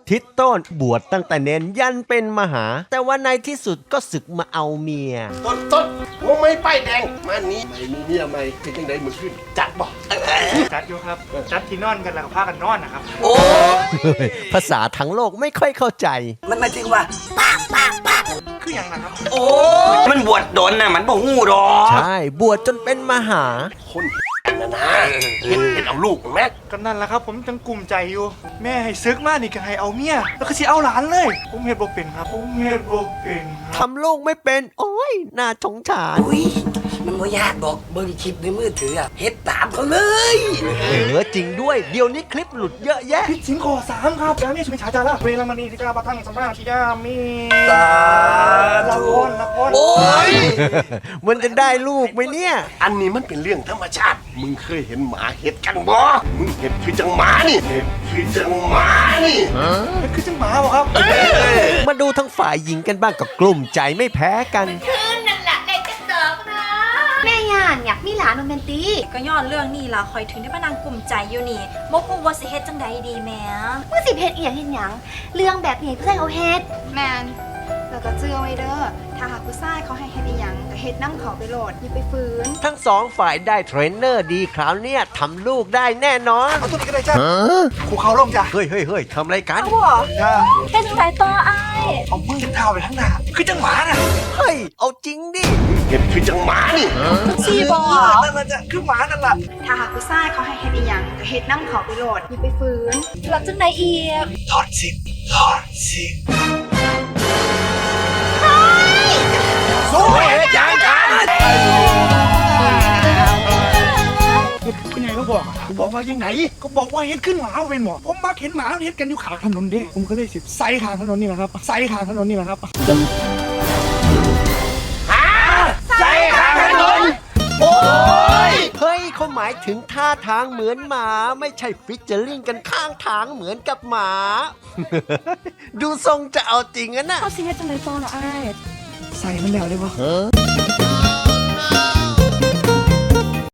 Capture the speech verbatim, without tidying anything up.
ทิศต้นบวชตั้งแต่เน้นยันเป็นมหา แต่ว่าในที่สุดก็ศึกมาเอาเมียต้นต้นหัวไม่ป้ายแดงมานี้ไม่มีเมียไม่เป็นยังไงมึงขึ้นจัดบ่จัดอยู่ครับจัดที่นอนกันแล้วก็พากันนอนนะครับโอ้ภาษาทั้งโลกไม่ค่อยเข้าใจมันหมายถึงว่าปากปากปากคืออย่างนั้นครับโอ้มันบวชโดนน่ะมันบ่ฮู้ดอกใช่บวชจนเป็นมหาคนนะนะเห็นเห็นเอาลูกแม่ก็นั่นแหละครับผมจังกลุ่มใจอยู่แม่ให้ซึกมานี่ก็ให้เอาเมียแล้วก็สิเอาหลานเลยผมเฮ็ดบ่เป็นครับผมเฮ็ดบ่เป็นทำลูกไม่เป็นโอ้ยน่าสงสารอุ้ยมันบ่ยากดอกเบิ่งคลิปในมือถืออะเฮ็ดตามเขาเลยเออจริงด้วยเดี๋ยวนี้คลิปหลุดเยอะแยะผิดศีลข้อสามครับยามีสุมิชาจาระเวรมณีสิกาปะทังสัมมาทิยามีสาละธุครละครโอ้ยมันจะได้ลูกไหมเนี่ยอันนี้มันเป็นเรื่องธรรมชาติมึงเคยเห็นหมาเห็ดกันบ่มึงเห็ดคือจังหมานี่เห็ดคือจังหมานี่มันคือจังหมาบ่ครับมาดูทั้งฝ่ายหญิงกันบ้างกับกลุ่มใจไม่แพ้กันคืนนั่นแหละได้จะเติมนะแม่ย่านอยากมีหลานโรแมนติกก็ย้อนเรื่องนี้ล่ะคอยถึงได้มานางกลุ่มใจอยู่นี่บ่ฮู้ว่าสิเฮ็ดจังใดดีแหมเมื่อสิเฮ็ดอีหยังเฮ็ดหยังเรื่องแบบนี้เพื่อนเขาเฮ็ดแมนแล้วก็เจือไว้เด้อถ้าหากผู้ชายเขาให้เฮ็ดอีหยังก็เฮ็ดน้ำเขาไปโหลดอย่าไปฝืนทั้งสองฝ่ายได้เทรนเนอร์ดีคราวเนี้ยทำลูกได้แน่นอนเอาตัวนี้ก็ได้จ้ะขู่เขาลงจ้ะเฮ้ยเฮ้ยเฮ้ยทำอะไรกันจ้ะเฮ็ดจังไดต่ออ้ายเอามือเท้าไปข้างหน้าคือจังหมาน่ะเฮ้ยเอาจริงดิเห็ดคือจังหมานี่ชีบ่นั่นน่ะจ้ะคือหมานั่นล่ะถ้าหากผู้ชายเขาให้เฮ็ดอีหยังก็เฮ็ดน้ำเขาไปโหลดอย่าไปฝืนแล้วจังไดอีกถอดสิถอดสิสู้เห็ดยังกันคุณยายก็บอกผมบอกว่ายังไงก็บอกว่าเห็นขึ้นหมาเป็นหมอผมมักเห็นหมาเห็นกันอยู่ข้างถนนเด้ผมก็เลยสิไซทางถนนนี่แหละครับไซทางถนนนี่แหละครับฮะไซทางถนนโอ้ยเฮ้ยเขาหมายถึงท่าทางเหมือนหมาไม่ใช่ฟิชเจอริงกันข้างทางเหมือนกับหมา ดูทรงจะเอาจริงอะนะเขาสิเฮ็ดจังไดต่อล่ะอ้ายใส่มันแล้วได้ปะ